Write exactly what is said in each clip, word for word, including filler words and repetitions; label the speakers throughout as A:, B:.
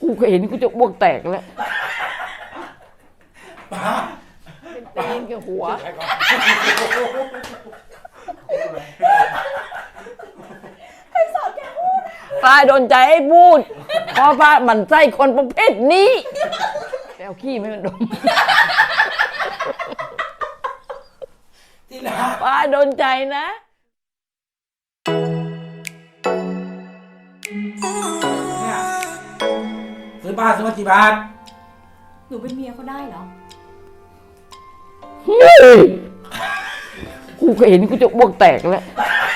A: กูเคยเห็นกูจะอ้วกแตกแล้ว
B: ป้า
A: เป็นตีนกับหัวป้าโดนใจให้พูดเพราะป้าหมั่นไส้คนประเภทนี้ไปเอาขี้ไม่มันดม
B: ที่รัก
A: ป้าโดนใจนะ
B: เนี่ยซื้อบ้านซื้อมากี่บาท
C: หนูเป็นเมียเขาได้เหรอ
A: กูเคยเห็นกูจะอ้วกแตกแล้ว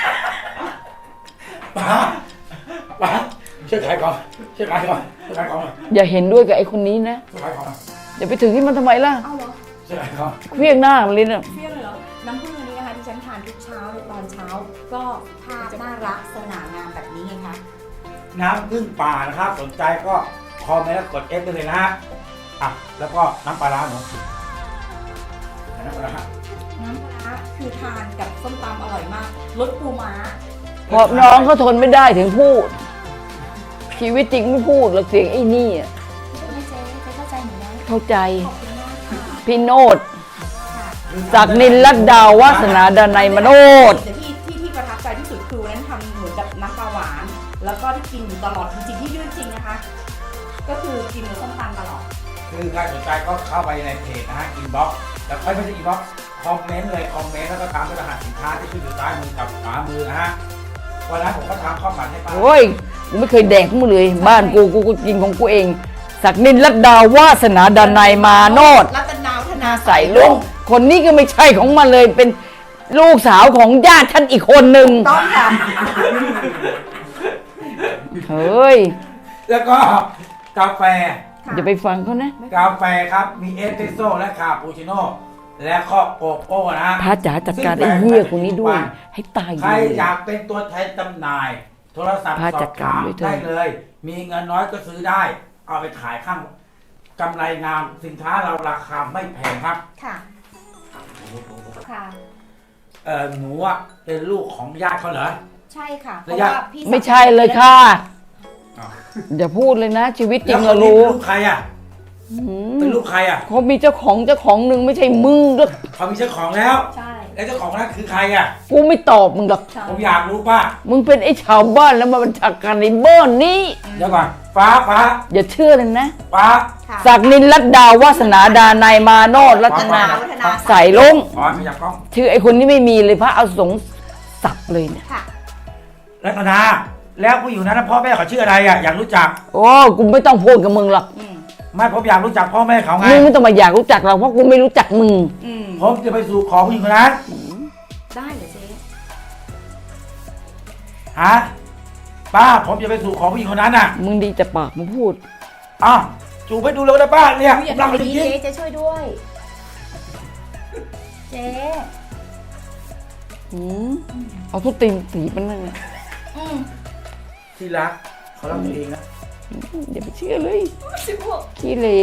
B: ป้าป้าช่วยขายก่อนช่วยขายก่อนช่วยขายก่อน
A: อย่าเห็นด้วยกับไอ้คนนี้นะ
B: ช่วยขายก่อน
A: อย่าไปถึงที่มันทำไมล่ะ
C: เอาเหรอ
B: ช่วยขายก่อน
A: เครียดหน้ามันเลยนะ
C: เครียดเลยเหรอน้ำผึ้งอันนี้นะคะที่ฉันทานทุกเช้าเลยตอนเช้าก็ภาพน่ารักสง่างามแบบนี้ไงคะ
B: น้ำผึ้งป่านะครับสนใจก็คอมเมนต์แล้วกด F ได้เลยนะฮะอ่ะแล้วก็น้ำปลาร้าหนูน้ำปลาร้า
C: น้ำปลาร้าคือทานกับส้มตำอร่อยมากรสปูม้า
A: เพราะน้องเขาทนไม่ได้ถึงพูดชีวิตจริงไม่พูดหรอกเสียงไอ้นี่อ่ะ
C: ไม่เจ๊เจ๊เข้าใจหนูนะ
A: เข้าใจ
C: ขอบคุณมากค่ะ
A: พี่โนดจากนินลัดดาววาสนาดนัยมโนด
C: แต่ที่ที่ที่ประทับใจที่สุดคือวันนั้นทำเหมือนกับน้ำปลาหวานแล้วก็ที่กินอยู่ตลอดจริงๆที่ยื่นจริงนะคะก็คือกินกับส้มตำตลอด
B: คือใครสนใจก็เข้าไปในเพจนะฮะอินบ็อกซ์แล้วค่อยไม่ใช่อินบ็อกซ์คอมเมนต์เลยคอมเมนต์แล้วก็ตามด้วยรหัสสินค้าที่ขึ้นอยู่ใต้มือกับขวามือนะฮะวันนั้นผมก็ทำข้าวผัดให้ป้า
A: โอ้ยกูไม่เคยแดกมึงเลยบ้านกูกูกูกินของกูเองศักดินลัดดาววาสนาดนัยมาโนด
C: รัตนาวธนา
A: ใส่ลุงคนนี้ก็ไม่ใช่ของมันเลยเป็นลูกสาวของญาติฉันอีกคนหนึ่ง
C: ต้องค่ะ
A: เฮ้ย
B: แล้วก็กาแฟ
A: อย่าไปฟังเขานะ
B: กาแฟครับมีเอสเปรสโซ่และคาปูชิโน่และก็โกโก้นะ
A: พระจ๋าจัดการไอ้เหี้ยคนนี้ด้วยให้ตาย
B: ใครอยากเป็นตัวแทนจำหน่ายโทรศัพท์สอบถามได้เลยมีเงินน้อยก็ซื้อได้เอาไปขายข้างกำไรงามสินค้าเราราคาไม่แพงครับ
C: ค่ะค่ะ
B: เออหนูอ่ะเป็นลูกของญาติเขาเหรอ
C: ใช่ค่ะเพราะว่าพี่
A: ไม่ใช่เลยค่ะอย่าพูดเลยนะชีวิตจริงเรารู้
B: ลูกใครอ่ะเป็นลูกใครอ่ะ
A: เขามีเจ้าของเจ้าของหนึ่งไม่ใช่มึงหรอก
B: เขามีเจ้าของแล้ว
C: ใช่
B: แล้วเจ้าของนั้นคือใครอ่ะ
A: กูไม่ตอบมึงหรอก
B: ผมอยากรู้ป่ะ
A: มึงเป็นไอ้ชาวบ้านแล้วมาบัญชาการในบ้านนี้
B: เดี๋ยวก่อนฟ้าฟ้า
A: อย่าเชื่อเลยนะ
B: ฟ้า
A: ศักดินลัดดาววาสนาดานายมาโนดรัตนาใส่ลง
B: อ๋อขยับกล้อง
A: ชื่อไอ้คนนี้ไม่มีเลยพระเอาสงสับเลยเนี่ย
B: รัตนาแล้วผู้อยู่นั้นพ่อแม่เขาชื่ออะไรอ่ะอยากรู้จัก
A: โอ้กูไม่ต้องพูดกับมึงหรอก
B: ไม่ผมอยากรู้จักพ่อแม่เขาไง
A: มึงไม่ต้องมาอยากรู้จักเราเพราะกูไม่รู้จักมึง
B: ผมจะไปสู่ขอผู้หญิงคนนั้น
C: ได้เหรอเจ๊
B: ฮะป้าผมจะไปสู่ขอผู้หญิงคนนั้นน่ะ
A: มึงดีจะปากมึงพูด
B: อ้าวจูบไปดูเลยนะป้าเนี่ย
C: รักจริงเจ๊เจ๊ช่วยด้วยเจ๊
A: อืมเอาทุกตีนสีมันนั่นน่ะ
B: ที่รักเขารักตัวเองนะ
A: อย่าไปเชื่อเลยขี้เล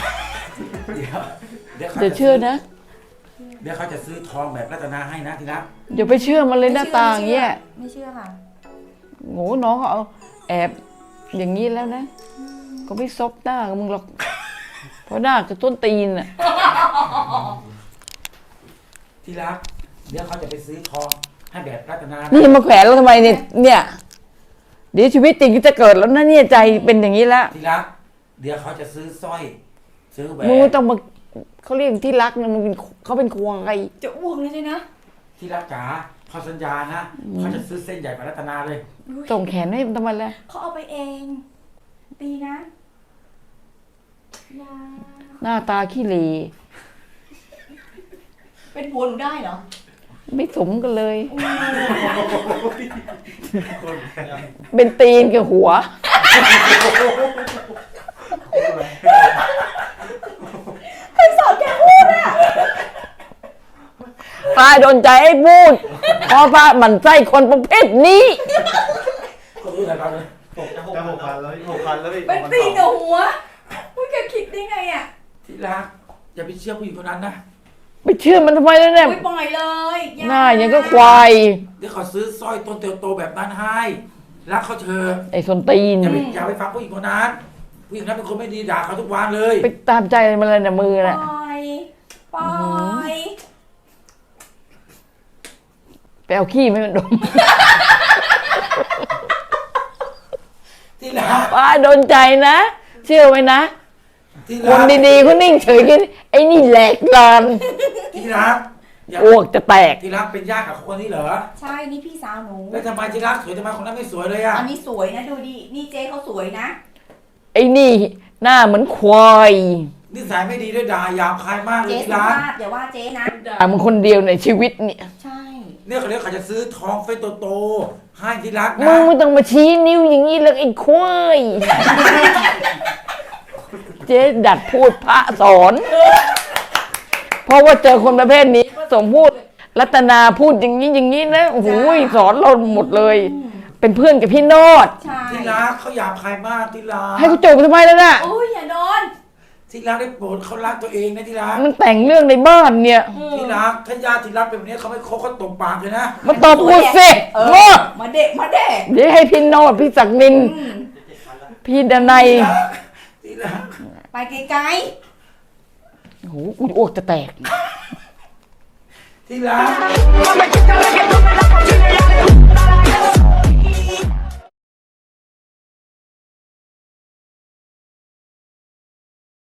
B: เดี๋ยว
A: อย่าเชื่อนะ
B: เดี๋ยวเขาจะซื้อทองแบบรัตนาให้นะที่รัก
A: อย่าไปเชื่อมันเลยหน้าตาอย่างเงี้ย
C: ไม่เชื่อค่ะ
A: โง่น้องเขาเอาแอบอย่างนี้แล้วนะก็ไม่ซบหน้ากับมึงหรอกเพราะหน้าจะต้นตีนอ่ะ
B: ที่รักเดี๋ยวเขาจะไปซื้อทองให้แบบรัตนา
A: นี่มาแขวนแล้วทำไมเนี่ยเนี่ยเดี๋ยวชีวิตจริงจะเกิดแล้วนะเนี่ยใจเป็นอย่างนี้แล้ว
B: ที่รักเดี๋ยวเขาจะซื้อสร้อยซื้อแหวน
A: มึงต้องมาเขาเรียกที่รักนะมึงเป็นเขาเป็นควงไง
C: จะอ้วกเลยใช่นะ
B: ที่รักจ๋าเขาสัญญานะเขาจะซื้อเส้นใหญ่กว่ารัตนาเลย
A: ส่งแขนให้ทำไมล่ะ
C: เขาเอาไปเองตีนะ
A: หน้าตาขี้เหร่
C: เป็นผัวหนูได้เหรอ
A: ไม่สมกันเลยเป็นตีนกับหัว
C: ใครสอนแกพูดอ่ะ
A: ป้าโดนใจให้พูดเพราะป้าหมั่นไส้คนประเภทนี้
B: เขารู้อะไรบ้างเลย
D: หกจะหกพันแล้วหกพันแล้ว
C: เป็นตีนกับหัวพูดแกคิดได้ไงอ่ะ
B: ที่รักอย่าไปเชื่อผู้หญิงคนนั้นนะ
A: ไม่เชื่อมันทำไมแล้วเนี่ย
C: ปล่อยเลย
A: หน้าอย่างก็ควาย
B: เดี๋ยวเขาซื้อสร้อยต้นโตๆแบบนั้นให้รักเขาเธอ
A: ไอ้ส้นตีน
B: อย่าไปอย่าไปฟังผู้หญิงคนนั้นผู้หญิงนั้นเป็นคนไม่ดีด่าเขาทุกวันเลย
A: ไปตามใจมันเลยนะมือ
C: ป
A: น่ะ
C: ล่อยปล่อย
A: ไปเอาขี้ไม่มันดม
B: ที่รัก
A: ป้าโดนใจนะ เชื่อไว้นะ
B: ที่
A: ค
B: รั
A: น
B: ก
A: ดีๆเขานิ่งเฉยกันไอ้นี่แหลกลาน
B: ที่รักอย่า
A: อ้วกจะแตก
B: ที่รักเป็นญาติกับคนนี้เหรอ
C: ใช่นี่พี่สาวหนู
B: แล้วทำไมที่รักสวยทำไมคนนั้นไม่สวยเลยอ่ะ
C: อันนี้สวยนะดูดินี่เจ๊เขาสวยนะ
A: ไอ้นี่หน้าเหมือนควาย
B: นิสัยไม่ดีด้วยด่าหยาบคายมากเลย
C: เจ๊
B: ที่
C: สุ
B: รัก
C: ภาพอย่าว่าเจ๊นะ
A: ด่ามันคนเดียวในชีวิตเนี่ย
C: ใช่
B: เนี่ยเขาเรียกเขาจะซื้อทองเฟซโตๆให้ที่รัก
A: มึ
B: นะ
A: งไม่ต้องมาชี้นิ้วอย่างนี้เลยไอ้ควายเจ๊ดัดพูดพระสอน เพราะว่าเจอคนประเภทนี้พระสงฆ์พูดรัตนาพูดอย่างนี้อย่างนี้นะโอ้โหสอนเราหมดเลย เป็นเพื่อนกับพี่โนด
C: ใช่
B: ที่รักเขาหยาบคายมากที่รัก
A: ให้กูจบทำไมแล้วน่ะ
C: โอ้ยอย่าโดน
B: ที่รักได้โปรดเขารักตัวเองนะที่รัก
A: มันแต่งเรื่องในบ้านเนี่ย
B: ที่รักถ้าญาติที่รักเป็นแบบนี้เขาไม่คบเขาตบปากเลยนะ
A: มาตอบกูสิ
C: เอ
A: โง่
C: อมาเด็กมาเด็ก
A: เดี๋ยวให้พี่โนดพี่ศักดิน
C: อืม
A: พี่ดนัย
B: ที่รัก
C: ไปไกล
A: โอ้โหกูอ้วกจะแตก
B: ที่รัก
E: Mama, chica,